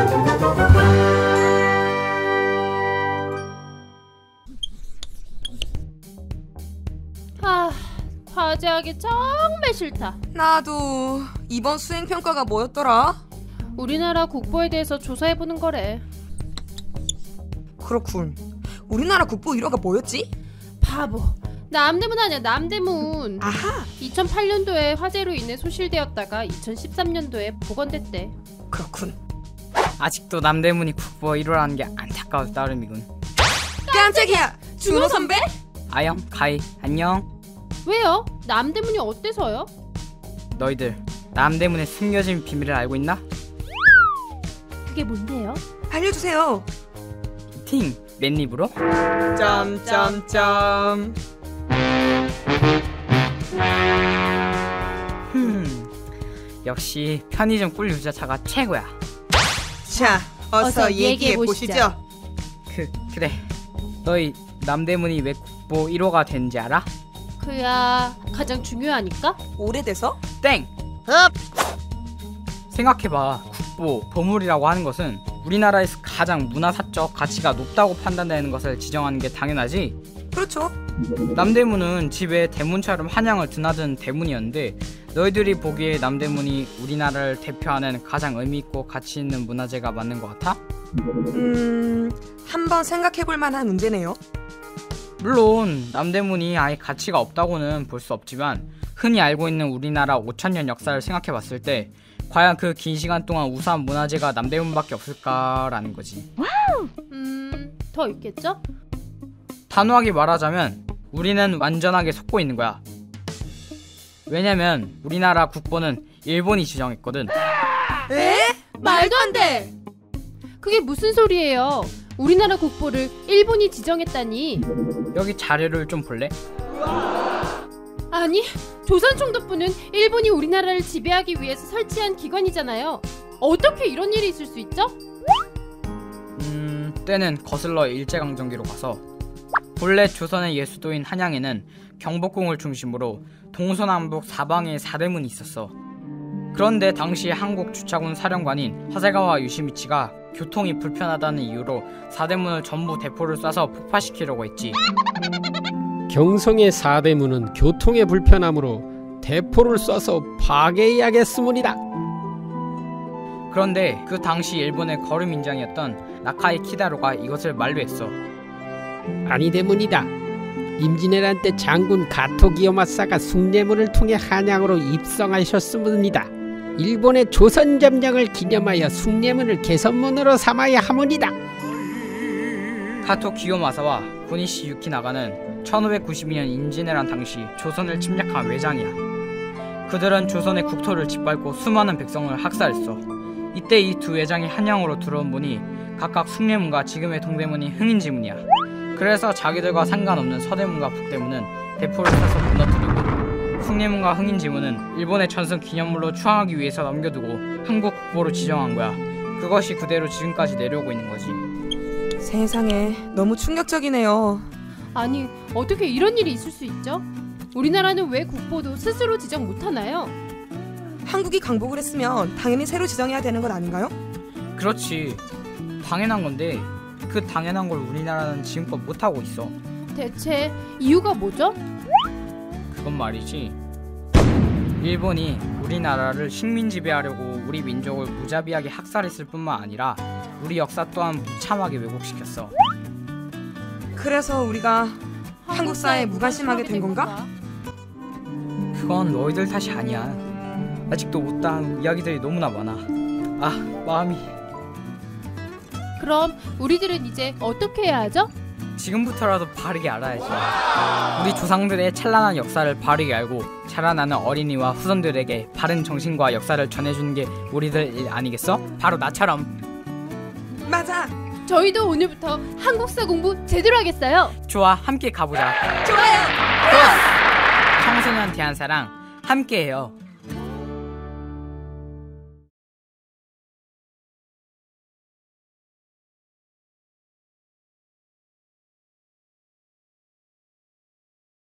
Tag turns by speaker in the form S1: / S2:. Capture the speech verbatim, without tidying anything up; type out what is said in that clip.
S1: 아, 과제하기 정말 싫다.
S2: 나도. 이번 수행평가가 뭐였더라?
S1: 우리나라 국보에 대해서 조사해보는 거래.
S2: 그렇군. 우리나라 국보 일 호가 뭐였지?
S1: 바보. 남대문 아니야, 남대문.
S2: 아하.
S1: 이천팔 년도에 화재로 인해 소실되었다가 이천십삼 년도에 복원됐대.
S2: 그렇군.
S3: 아직도 남대문이 국보 일 호라는 게 안타까워서 따름이군.
S2: 깜짝이야! 준호 선배?
S3: 아영, 가희, 안녕.
S1: 왜요? 남대문이 어때서요?
S3: 너희들 남대문의 숨겨진 비밀을 알고 있나?
S1: 그게 뭔데요?
S2: 알려주세요.
S3: 팅! 맨입으로?
S2: 점점점.
S3: 흠, 역시 편의점 꿀 유자차가 최고야.
S2: 자, 어서,
S1: 어서
S2: 얘기해
S1: 얘기해보시죠.
S2: 보시죠.
S3: 그, 그래. 너희 남대문이 왜 국보 일 호가 된지 알아?
S1: 그야 가장 중요하니까?
S2: 오래돼서?
S3: 땡!
S2: 흡!
S3: 생각해봐. 국보, 보물이라고 하는 것은 우리나라에서 가장 문화사적 가치가 높다고 판단되는 것을 지정하는 게 당연하지.
S2: 그렇죠.
S3: 남대문은 집에 대문처럼 한양을 드나든 대문이었는데, 너희들이 보기에 남대문이 우리나라를 대표하는 가장 의미있고 가치 있는 문화재가 맞는 것 같아?
S2: 음... 한번 생각해볼 만한 문제네요.
S3: 물론 남대문이 아예 가치가 없다고는 볼 수 없지만, 흔히 알고 있는 우리나라 오천 년 역사를 생각해봤을 때 과연 그 긴 시간 동안 우수한 문화재가 남대문밖에 없을까라는 거지.
S1: 음... 더 있겠죠?
S3: 단호하게 말하자면 우리는 완전하게 속고 있는 거야. 왜냐면 우리나라 국보는 일본이 지정했거든.
S2: 에?
S1: 말도 안 돼! 그게 무슨 소리예요? 우리나라 국보를 일본이 지정했다니.
S3: 여기 자료를 좀 볼래?
S1: 아니, 조선총독부는 일본이 우리나라를 지배하기 위해서 설치한 기관이잖아요. 어떻게 이런 일이 있을 수 있죠?
S3: 음... 때는 거슬러 일제강점기로 가서 본래 조선의 예수도인 한양에는 경복궁을 중심으로 동서남북 사방에 사대문이 있었어. 그런데 당시 한국 주차군 사령관인 하세가와 요시미치가 교통이 불편하다는 이유로 사대문을 전부 대포를 쏴서 폭파시키려고 했지.
S4: 경성의 사대문은 교통의 불편함으로 대포를 쏴서 파괴해야겠으므리다.
S3: 그런데 그 당시 일본의 거류민장이었던 나카이 키다로가 이것을 만류했어.
S4: 아니되문이다. 임진왜란 때 장군 가토 기요마사가 숭례문을 통해 한양으로 입성하셨으므이다. 일본의 조선 점령을 기념하여 숭례문을 개선문으로 삼아야 하므이다.
S3: 가토 기요마사와 고니시 유키나가는 천오백구십이 년 임진왜란 당시 조선을 침략한 외장이야. 그들은 조선의 국토를 짓밟고 수많은 백성을 학살했어. 이때 이 두 외장이 한양으로 들어온 문이 각각 숭례문과 지금의 동대문이 흥인지문이야. 그래서 자기들과 상관없는 서대문과 북대문은 대포를 쏴서 무너뜨리고, 숭례문과 흥인지문은 일본의 전승 기념물로 추앙하기 위해서 넘겨두고 한국 국보로 지정한 거야. 그것이 그대로 지금까지 내려오고 있는 거지.
S2: 세상에, 너무 충격적이네요.
S1: 아니, 어떻게 이런 일이 있을 수 있죠? 우리나라는 왜 국보도 스스로 지정 못하나요?
S2: 한국이 강복을 했으면 당연히 새로 지정해야 되는 것 아닌가요?
S3: 그렇지, 당연한 건데 그 당연한 걸 우리나라는 지금껏 못하고 있어.
S1: 대체 이유가 뭐죠?
S3: 그건 말이지, 일본이 우리나라를 식민 지배하려고 우리 민족을 무자비하게 학살했을 뿐만 아니라 우리 역사 또한 무참하게 왜곡시켰어.
S2: 그래서 우리가 한국사에 무관심하게 된 건가?
S3: 그건 너희들 탓이 아니야. 아직도 못다한 이야기들이 너무나 많아. 아, 마음이.
S1: 그럼 우리들은 이제 어떻게 해야 하죠?
S3: 지금부터라도 바르게 알아야지. 우리 조상들의 찬란한 역사를 바르게 알고 자라나는 어린이와 후손들에게 바른 정신과 역사를 전해주는 게 우리들 일 아니겠어? 바로 나처럼.
S2: 맞아.
S1: 저희도 오늘부터 한국사 공부 제대로 하겠어요.
S3: 좋아, 함께 가보자.
S2: 좋아요.
S3: 청소년 대한사랑 함께해요.